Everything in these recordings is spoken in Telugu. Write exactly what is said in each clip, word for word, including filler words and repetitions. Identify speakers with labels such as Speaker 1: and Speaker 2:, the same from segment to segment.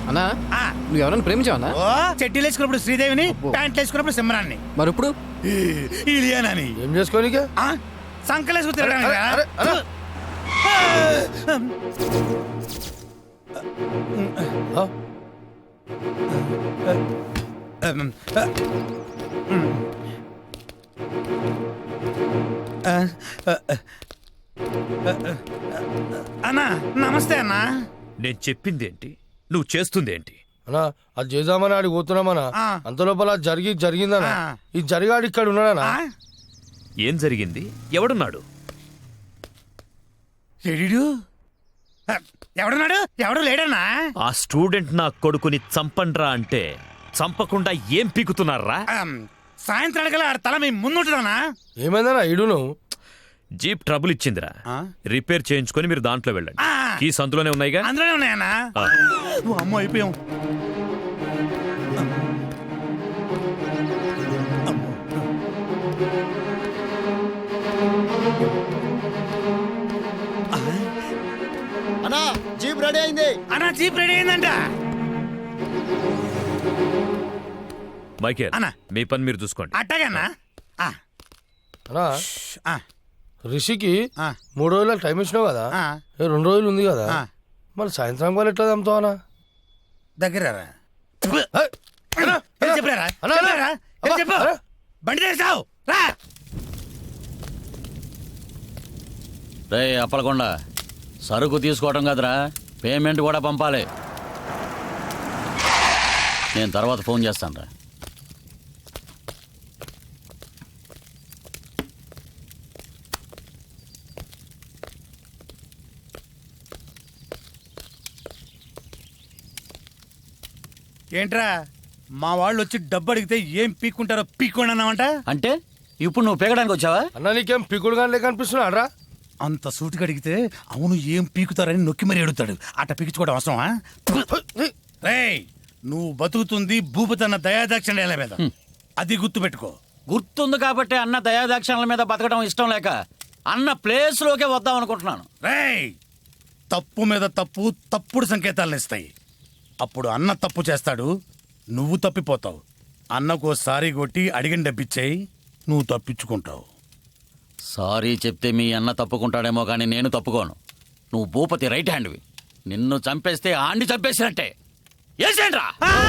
Speaker 1: అన్నా నువ్వు ఎవరైనా ప్రేమించావన్నా?
Speaker 2: ఓ చెడ్డీలు వేసుకున్నప్పుడు శ్రీదేవిని, ప్యాంట్లు వేసుకున్నప్పుడు సింహరాన్ని,
Speaker 1: మరి ఇప్పుడు
Speaker 2: ఇలియానాని.
Speaker 3: ఏం చేసుకోనిక
Speaker 2: సంకలేసుకు తిరగడానికి అన్నా నమస్తే అన్నా.
Speaker 4: నేను చెప్పిందేంటి, నువ్వు చేస్తుందేంటి?
Speaker 3: అన్నా అది చేద్దామని ఆడికి పోతున్నామన్నా. అంత లోపల జరిగి జరిగిందన్నా. ఈ జరిగాడు ఇక్కడ ఉన్నాడనా?
Speaker 4: ఏం జరిగింది? ఎవడున్నాడు?
Speaker 2: లేడీడు ఎవడున్నాడు? ఎవడు లేడన్నా?
Speaker 4: ఆ స్టూడెంట్ నా కొడుకుని చంపండ్రా అంటే చంపకుండా ఏం పీకుతున్నారా?
Speaker 2: సాయంత్రానికల్లా ఆడ తల మీ ముందుంటుందన్నా.
Speaker 3: ఏమైందన్నా ఇడును?
Speaker 4: జీప్ ట్రబుల్ ఇచ్చిందిరా, రిపేర్ చేయించుకొని మీరు దాంట్లో వెళ్ళండి. కీస్ అందులోనే ఉన్నాయిగా?
Speaker 2: అందులోనే ఉన్నాయన్నా. అమ్మో అయిపోయాం.
Speaker 5: అన్నా జీప్ రెడీ అయింది.
Speaker 2: అన్నా జీప్ రెడీ అయిందంట.
Speaker 4: మైకేల్
Speaker 2: అన్నా
Speaker 4: మీ పని మీరు చూసుకోండి.
Speaker 2: అట్టగన్నా.
Speaker 3: అన్నా రిషికి మూడు రోజులకు టైం ఇచ్చినావు కదా, రెండు రోజులు ఉంది కదా, మరి సాయంత్రం వాళ్ళు ఎట్లా చంపుతావు అన్నా?
Speaker 2: దగ్గర చెప్పు, బండి తెస్తావు రా.
Speaker 6: రే అప్పలకొండ, సరుకు తీసుకోవడం కదరా, పేమెంట్ కూడా పంపాలి. నేను తర్వాత ఫోన్ చేస్తాను రా.
Speaker 2: ఏంట్రా మా వాళ్ళు వచ్చి డబ్బు అడిగితే ఏం పీక్కుంటారో పీక్కోండి అన్నావంట.
Speaker 6: అంటే ఇప్పుడు నువ్వు పీకడానికి వచ్చావా?
Speaker 3: అన్నా నీకేం పీకుడు కానీ లేక అనిపిస్తున్నాడు.
Speaker 2: అంత సూటిగా అడిగితే అవును ఏం పీకుతారని నొక్కి మరీ అడుగుతాడు. అట్ట పీకించుకోవడం అవసరమా? రేయ్ నువ్వు బతుకుతుంది భూపతన్న దయాదాక్షిణ్యాల మీద, అది గుర్తు పెట్టుకో.
Speaker 6: గుర్తుంది కాబట్టి అన్న దయాదాక్షిణ్యాల మీద బతకడం ఇష్టం లేక అన్న ప్లేస్ లోకే వద్దాం అనుకుంటున్నాను.
Speaker 2: రేయ్ తప్పు మీద తప్పు తప్పుడు సంకేతాలను ఇస్తాయి. అప్పుడు అన్న తప్పు చేస్తాడు, నువ్వు తప్పిపోతావు. అన్నకు సారీ కొట్టి అడిగిన డబ్బిచ్చేయి, నువ్వు తప్పించుకుంటావు.
Speaker 6: సారీ చెప్తే మీ అన్న తప్పుకుంటాడేమో కానీ నేను తప్పుకోను. నువ్వు భూపతి రైట్ హ్యాండ్వి. నిన్ను చంపేస్తే ఆండి చంపేసినట్టే. ఏసేంట్రా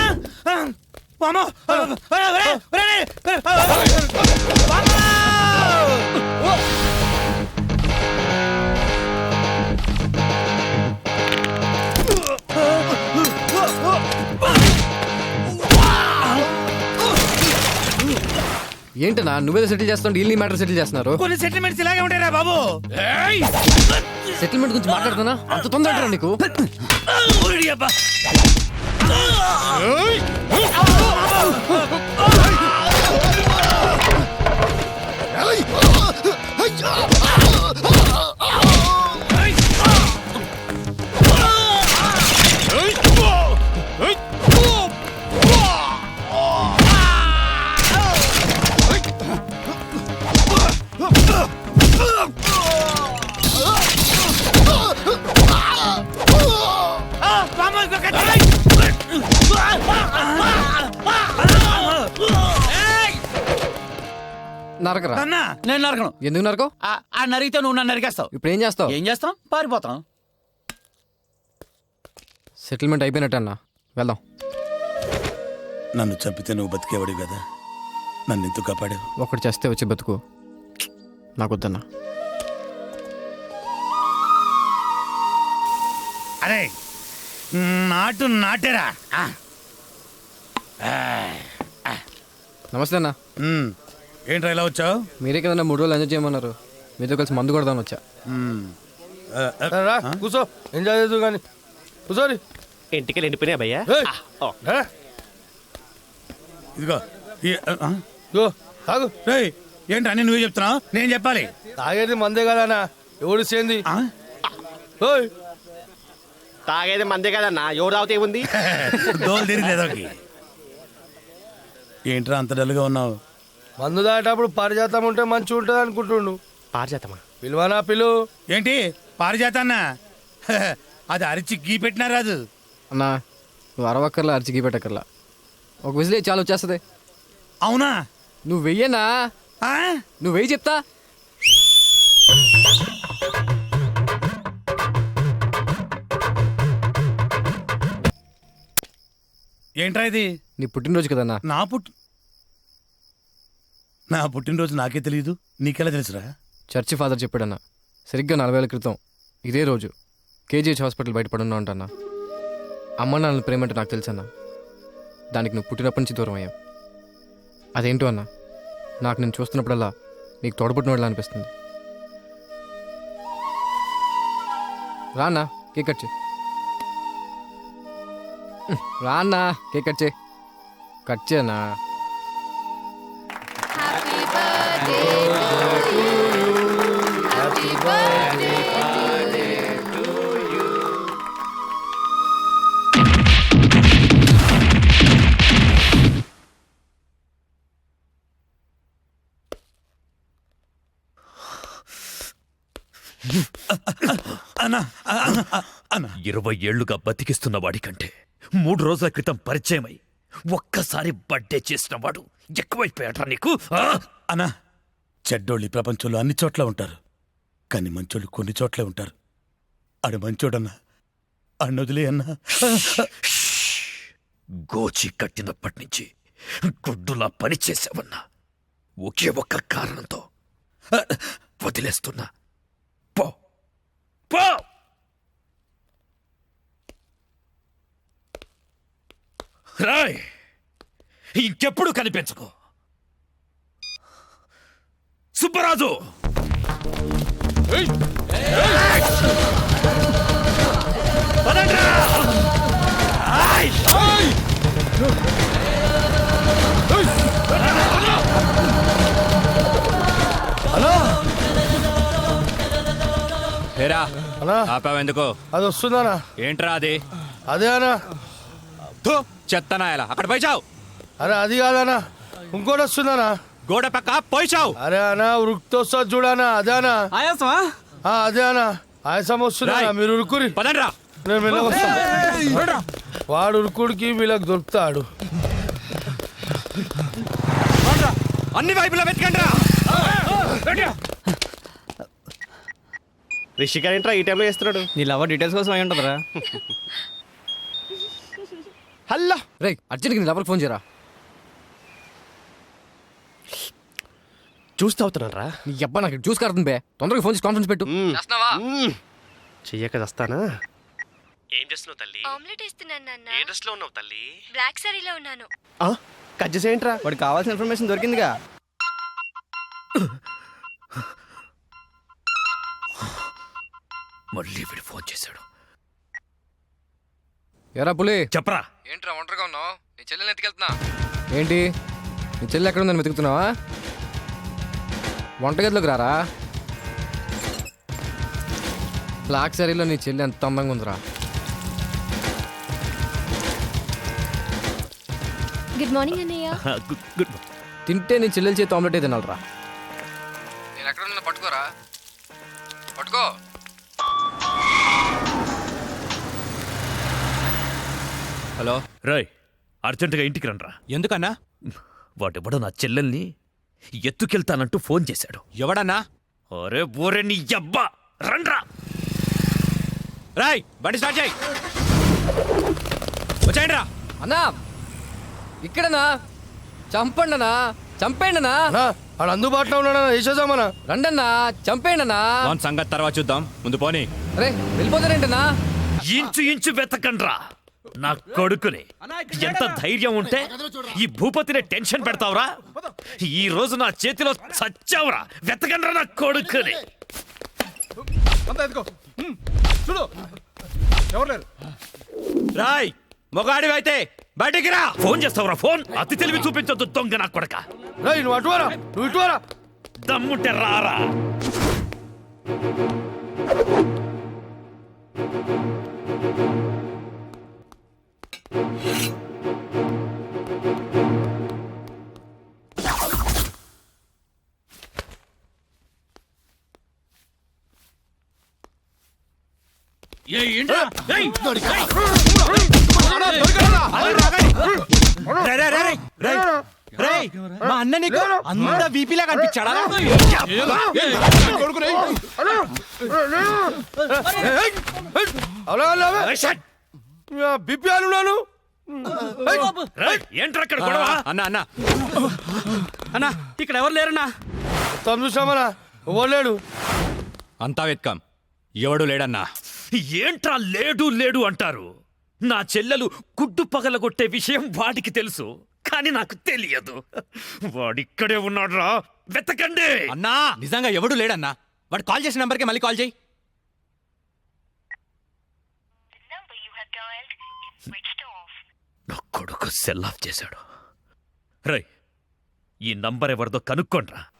Speaker 1: ఏంటన్నా నువ్వేదో సెటిల్ చేస్తావు, డీల్ మ్యాటర్ సెటిల్ చేస్తున్నారు.
Speaker 2: కొన్ని సెటిల్మెంట్స్ ఇలాగే ఉంటాయిరా బాబు.
Speaker 1: సెటిల్మెంట్ గురించి మాట్లాడుతున్నా అంత తొందర నీకు? నరకరా?
Speaker 6: నేను నరకను.
Speaker 1: ఎందుకు నరకవు?
Speaker 6: ఆ నరిగితే నువ్వు నన్ను నరికేస్తావు.
Speaker 1: ఇప్పుడు ఏం చేస్తావు?
Speaker 6: ఏం చేస్తాం? పారిపోతాం.
Speaker 1: సెటిల్మెంట్ అయిపోయినట్టు అన్నా, వెళ్దాం.
Speaker 2: నన్ను చంపితే నువ్వు బతికేవాడు కదా, నన్ను ఎందుకు కాపాడావు?
Speaker 1: ఒకటి చేస్తే వచ్చి బతుకు, నాకొద్దన్నా.
Speaker 2: అరే నాటు నాటేరా.
Speaker 1: నమస్తే అన్న.
Speaker 2: ఏంట్రా ఇలా వచ్చావు?
Speaker 1: మీరే కదన్నా మూడు రోజులు ఎంజాయ్ చేయమన్నారు, మీతో కలిసి మందు కొడదామని వచ్చా.
Speaker 3: కూర్చో, ఎంజాయ్ చేద్దు కానీ కూర్చోరి.
Speaker 7: ఇంటికి ఎండిపోయినా భయ్యా.
Speaker 2: ఇదిగో
Speaker 3: తాగు.
Speaker 2: ఏంటి అన్ని నువ్వే చెప్తున్నావు, నేను చెప్పాలి?
Speaker 3: తాగేది మందే కదా ఎవడు సేంది?
Speaker 7: తాగేది మందే కదన్నా, ఎవరు తాగితే ఉంది?
Speaker 2: దోలు తిరిగిలేదో. ఏంట్రా అంత డల్గా ఉన్నావు?
Speaker 3: మందు దాటప్పుడు పారిజాతం ఉంటే మంచిగా ఉంటుంది అనుకుంటుండు.
Speaker 7: పారిజాతమా?
Speaker 3: పిలువనా పిలు.
Speaker 2: ఏంటి పారిజాత అన్న? అది అరిచి గీ పెట్టినా రాదు
Speaker 1: అన్నా. నువ్వు అరవక్కర్లా అరిచికి పెట్టక్కర్లా ఒక విజిలే చాలు వచ్చేస్తుంది.
Speaker 2: అవునా?
Speaker 1: నువ్వు వెయ్యనా?
Speaker 2: ఆ?
Speaker 1: నువ్వు వెయ్యి చెప్తా.
Speaker 2: ఏంట్రా ఇది?
Speaker 1: నీ పుట్టినరోజు కదన్నా.
Speaker 2: నా పుట్టి నా పుట్టినరోజు నాకే తెలియదు, నీకెలా తెలుసురా?
Speaker 1: చర్చి ఫాదర్ చెప్పాడన్నా. సరిగ్గా నలభై ఏళ్ళ క్రితం ఇదే రోజు కేజీహెచ్ హాస్పిటల్ బయటపడున్నా ఉంటానా. అమ్మ నాన్న ప్రేమ అంటే నాకు తెలుసన్నా. దానికి నువ్వు పుట్టినప్పటి నుంచి దూరం అయ్యావు. అదేంటో అన్నా, నాకు నేను చూస్తున్నప్పుడల్లా నీకు తోడబుట్టినోళ్ళ అనిపిస్తుంది. రా అన్నా, కేక్ కట్ చేయి. రా అన్నా, కేక్ కట్ చేయి. కట్ చేయనా?
Speaker 2: అన్నా అన్నా, అన్నా
Speaker 4: ఇరవై ఏళ్లుగా బతికిస్తున్న వాడికంటే మూడు రోజుల క్రితం పరిచయమై ఒక్కసారి బర్త్డే చేసిన వాడు ఎక్కువైపోయాడ్రా నీకు. ఆ?
Speaker 2: అన్నా, చెడ్డోళ్ళు ఈ ప్రపంచంలో అన్ని చోట్ల ఉంటారు, కానీ మంచోళ్ళు కొన్ని చోట్లే ఉంటారు. ఆడు మంచోడన్నా, అన్న వదిలే అన్నా.
Speaker 4: గోచి కట్టినప్పటి నుంచి గుడ్డులా పని చేసావన్నా ఒకే ఒక్క కారణంతో వదిలేస్తున్నా. పో పో. రాయ్, ఇంకెప్పుడు కనిపించకు. సుబ్బరాజు, పదండ్రా. ఆయ్.
Speaker 3: హలో
Speaker 5: హేరా
Speaker 3: అన్నా,
Speaker 5: ఆపావెందుకు?
Speaker 3: అది వస్తుందనా?
Speaker 5: ఏంట్రా అది?
Speaker 3: అదే అనా.
Speaker 5: థు, చెత్తనాయలా అక్కడ పోయిచావు.
Speaker 3: అరే అది కాదనా, ఇంకోటి వస్తుందనా.
Speaker 5: గోడ పక్క పోయిచావు.
Speaker 3: అరే అనా, ఉరుకుతో వస్తుంది చూడనా, అదే అనా.
Speaker 5: ఆయాసమా?
Speaker 3: ఆ, అదే అనా, ఆయాసం వస్తుందా?
Speaker 5: రాయ్.
Speaker 3: మీరు ఉరుకురి,
Speaker 5: పదండ్రా.
Speaker 3: నేను మెల్లగా వస్తాను. వాడు ఉరుకుడికి వీళ్ళకి దొరుకుతాడు.
Speaker 5: అన్ని వైపులా వెతకండ్రా.
Speaker 7: రిషి గారు ఏంట్రా ఈ టైంలో చేస్తున్నాడు?
Speaker 8: నీ లవర్ డీటెయిల్స్ కోసం అయి ఉంటుందిరా.
Speaker 7: హలో,
Speaker 1: రే అర్జెంట్గా నీ లవర్కి ఫోన్ చేయరా.
Speaker 7: చూస్తూ అవుతున్నారా?
Speaker 1: నీ అబ్బా నాకు చూసి కడుతుంది బే. తొందరగా ఫోన్ చేసి కాన్ఫరెన్స్ పెట్టు.
Speaker 7: చెయ్యక వస్తానా? ఏం చేస్తున్నావు తల్లి?
Speaker 9: ఆమ్లెట్ ఇస్తున్నాను నాన్న.
Speaker 7: ఏ డ్రెస్ లో ఉన్నావు తల్లి?
Speaker 9: బ్లాక్ సారీలో ఉన్నాను.
Speaker 7: కట్ చేసేయంట్రా.
Speaker 8: వాడికి కావాల్సిన ఇన్ఫర్మేషన్ దొరికిందిగా.
Speaker 4: మళ్ళీ వీడు ఫోన్ చేశాడు.
Speaker 1: ఎరా పులి,
Speaker 4: చెప్పరా.
Speaker 1: ఏంట్రా ఒంటరిగా ఉన్నావు? నీ చెల్లెని ఎత్తుకెళ్తున్నా. ఏంటి నీ చెల్లి ఎక్కడ ఉందని వెతుకుతున్నావా? వంటగదిలోకి రారా. బ్లాక్ సారీలో నీ చెల్లి ఎంత అందంగా ఉందిరా.
Speaker 9: గుడ్ మార్నింగ్ అన్నయ్య.
Speaker 4: Good good.
Speaker 1: తింటే నీ చెల్లెలు చేతి ఆమ్లెట్ తినాలరా. నేను ఎక్కడ ఉన్నా పట్టుకోరా, పట్టుకో.
Speaker 5: హలో,
Speaker 4: రాయ్, అర్జెంటుగా ఇంటికి రండ్రా.
Speaker 5: ఎందుకన్నా?
Speaker 4: వాడెవడో నా చెల్లెల్ని ఎత్తుకెళ్తానంటూ ఫోన్ చేశాడు.
Speaker 5: ఎవడన్నా?
Speaker 4: అరే ఓరే నీ అబ్బా, రండ్రా.
Speaker 5: రాయ్, బండి స్టార్ట్ చేయి. వచ్చాయండి రా.
Speaker 1: అన్నా ఇక్కడనా? చంపండనా, చంపేయండనా.
Speaker 3: అన్నా, ఆడు అందుబాటులో ఉన్నాడా? వేసేద్దామన్నా.
Speaker 1: రండన్నా, చంపేయండనా.
Speaker 5: మన సంగతి తర్వాత చూద్దాం, ముందు పోనీ.
Speaker 1: అరే వెళ్ళిపోతారేంటనా?
Speaker 4: ఇంచు ఇంచు వెతకండ్రా నా కొడుకుని. ఎంత ధైర్యం ఉంటే ఈ భూపతిని టెన్షన్ పెడతావురా? ఈ రోజు నా చేతిలో చచ్చావురా. వెతకండ్రా నా కొడుకుని.
Speaker 5: రాయ్, మొగాడివైతే బయటికి రా.
Speaker 4: ఫోన్ చేస్తావురా ఫోన్? అతి తెలివి చూపించొద్దు దొంగ నా కొడక.
Speaker 3: రేయ్, నువ్వు అటువారా, నువ్వు ఇటువారా.
Speaker 4: దమ్ముంటే రారా. ఏ ఏంట్రా? ఏయ్! ఏయ్!
Speaker 5: మా అన్న నీకు అంత వీపీలా కనిపించాడా
Speaker 3: బిపి అనున్నాను
Speaker 4: రేయ్, ఏంట్రా అక్కడ గొడవ?
Speaker 5: అన్న అన్న అన్న ఇక్కడ ఎవరు లేరన్నా
Speaker 3: మొత్తం చూసామరా ఓలేడు
Speaker 5: అంతా వెత్కాం ఎవడు లేడన్నా
Speaker 4: ఏంట్రా లేడు లేడు అంటారు. నా చెల్లెలు గుడ్డు పగలగొట్టే విషయం వాడికి తెలుసు, కానీ నాకు తెలియదు. వాడిక్కడే ఉన్నాడ్రా, వెతకండి.
Speaker 5: అన్నా నిజంగా ఎవడు లేడన్నా. వాడు కాల్ చేసిన నెంబర్కి మళ్ళీ కాల్ చేయి.
Speaker 4: నా కొడుకు సెల్ ఆఫ్ చేశాడు. రై, ఈ నంబర్ ఎవరిదో కనుక్కోండ్రా.